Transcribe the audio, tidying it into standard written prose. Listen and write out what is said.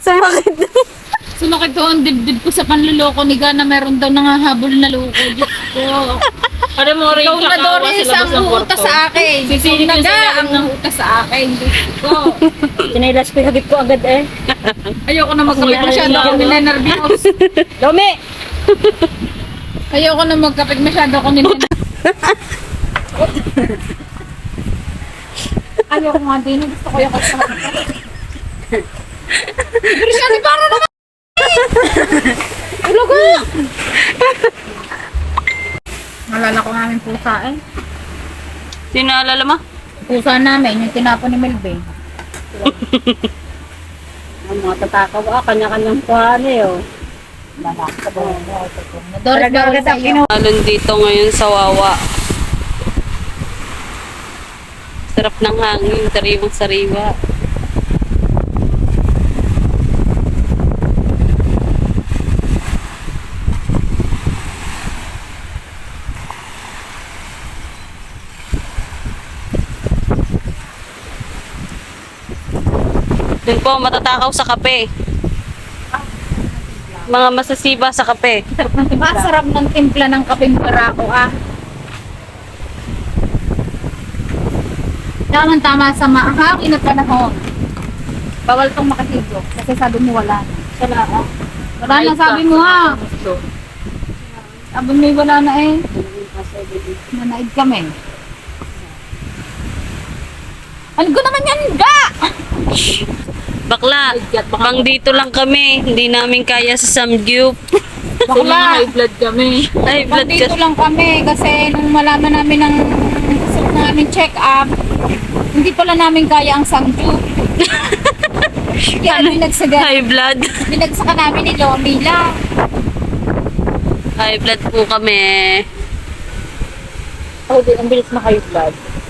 Sumakit. Sumakit ko ang dibdib ko sa panluloko ni Gana. Meron daw nangahabol na loko. Diyos ko. Para mo rin Ikaw na kakawa Doris sa labas ang ng uutas kwarto. sa akin. Sisinig Ikaw yung na salamin ang ng- uutas sa akin. Diyos ko. Tinailas ko yung hagit ko agad eh. Ayoko na magkapit masyado ako ninenervyos. Dumi! Ayoko na magkapit masyado ako ninenervyos. Ayoko nga din. Gusto ko yung kasama. Christian, para naman! Ulo ko! Nalala ko namin pusa eh. Sino naalala mo? Pusa namin, yung tinapon ni Melvin. Ang mga tatakaw kanya-kanyang kuhaan eh oh. Doris, bawal sa iyo. Alon dito ngayon sa Wawa. Sarap ng hangin, sariwang sariwa. Doon po, matatakaw sa kape. Mga masasiba sa kape. Masarap ng timpla ng kapeng barako ah. Tama sa mahangin na panahon. Bawal tong makasigo. Kasi sabi mo wala na. Wala na. Wala na sabi mo ha. Sabi mo wala na eh. Nanaid kami. Ano ko naman yan ga? Bakla, pang dito lang kami. Hindi namin kaya sa Samgyup. Bakla. High blood kami. High blood Dito kasi. lang kami kasi nung malaman namin ng gusto namin check up, hindi pala namin kaya ang sangju. Kaya High blood. binagsaka namin ni Lomila. High blood po kami. Oh, di, ang bilis na high blood.